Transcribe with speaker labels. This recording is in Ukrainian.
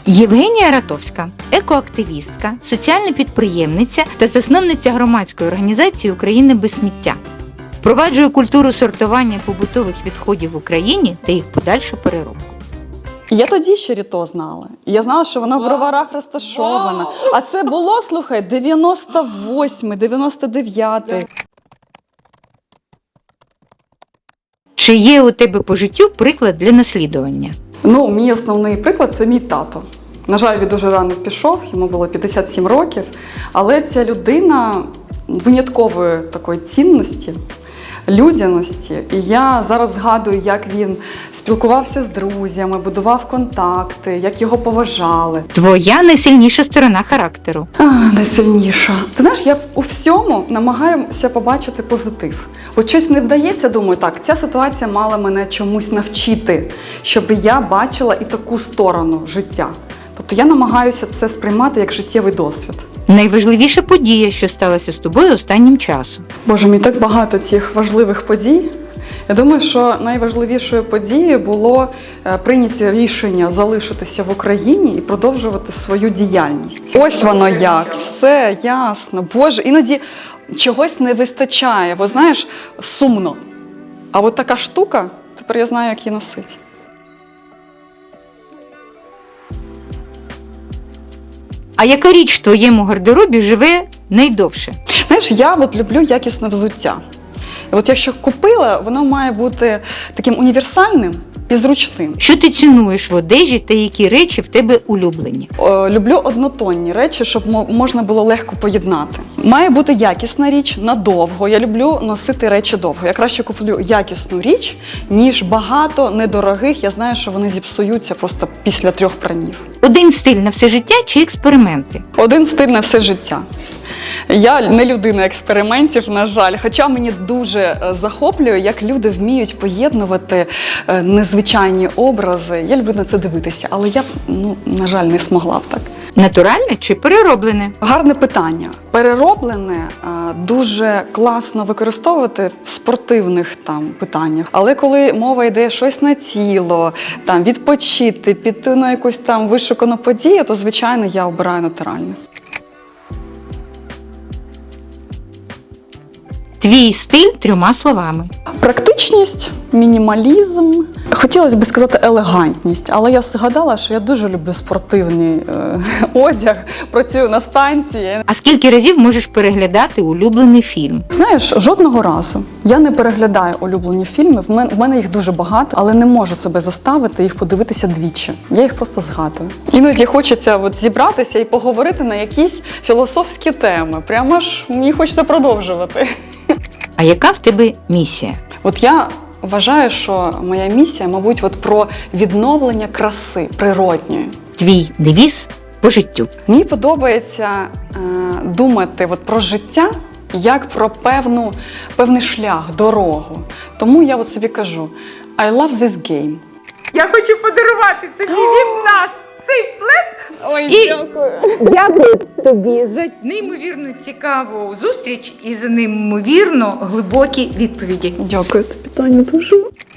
Speaker 1: Євгенія Ратовська – екоактивістка, соціальна підприємниця та засновниця громадської організації «Україна без сміття». Впроваджує культуру сортування побутових відходів в Україні та їх подальшу переробку.
Speaker 2: Я тоді ще Ріто знала. І я знала, що вона в Броварах розташована. А це було, слухай, 98-й, 99-й.
Speaker 1: Чи є у тебе по життю приклад для наслідування?
Speaker 2: Ну, мій основний приклад – це мій тато. На жаль, він дуже рано пішов, йому було 57 років. Але ця людина виняткової такої цінності, людяності. І я зараз згадую, як він спілкувався з друзями, будував контакти, як його поважали.
Speaker 1: Твоя найсильніша сторона характеру.
Speaker 2: Найсильніша. Ти знаєш, я у всьому намагаюся побачити позитив. От щось не вдається, думаю, так, ця ситуація мала мене чомусь навчити, щоб я бачила і таку сторону життя. Тобто я намагаюся це сприймати як життєвий досвід.
Speaker 1: Найважливіша подія, що сталася з тобою останнім часом.
Speaker 2: Боже, мені так багато цих важливих подій. Я думаю, що найважливішою подією було прийняти рішення залишитися в Україні і продовжувати свою діяльність. Ось воно як, все ясно. Боже, іноді чогось не вистачає, бо знаєш, сумно. А от така штука, тепер я знаю, як її носити.
Speaker 1: А яка річ в твоєму гардеробі живе найдовше?
Speaker 2: Знаєш, я от люблю якісне взуття. І от якщо купила, воно має бути таким універсальним і зручним.
Speaker 1: Що ти цінуєш в одежі та які речі в тебе улюблені?
Speaker 2: Люблю однотонні речі, щоб можна було легко поєднати. Має бути якісна річ надовго. Я люблю носити речі довго. Я краще куплю якісну річ, ніж багато недорогих. Я знаю, що вони зіпсуються просто після 3 пранів.
Speaker 1: Один стиль на все життя чи експерименти?
Speaker 2: Один стиль на все життя. Я не людина експериментів, на жаль, хоча мені дуже захоплює, як люди вміють поєднувати незвичайні образи. Я люблю на це дивитися, але я, на жаль, не змогла б так.
Speaker 1: Натуральне чи перероблене?
Speaker 2: Гарне питання. Перероблене дуже класно використовувати в спортивних питаннях. Але коли мова йде щось на тіло, відпочити, піти на якусь вишукану подію, то, звичайно, я обираю натуральне.
Speaker 1: Твій стиль 3 словами.
Speaker 2: Практичність, мінімалізм. Хотілося б сказати елегантність, але я згадала, що я дуже люблю спортивний одяг, працюю на станції.
Speaker 1: А скільки разів можеш переглядати улюблений фільм?
Speaker 2: Знаєш, жодного разу. Я не переглядаю улюблені фільми, в мене їх дуже багато, але не можу себе заставити їх подивитися двічі. Я їх просто згадую. Іноді хочеться зібратися і поговорити на якісь філософські теми. Прямо ж мені хочеться продовжувати.
Speaker 1: А яка в тебе місія?
Speaker 2: От я вважаю, що моя місія, мабуть, про відновлення краси природньої.
Speaker 1: Твій девіз по життю.
Speaker 2: Мені подобається думати про життя як про певний шлях, дорогу. Тому я собі кажу, I love this game.
Speaker 1: Я хочу подарувати тобі від нас цей плед.
Speaker 2: Ой, дякую.
Speaker 1: Дякую тобі за неймовірно цікаву зустріч і за неймовірно глибокі відповіді.
Speaker 2: Дякую тобі, Таню, дуже.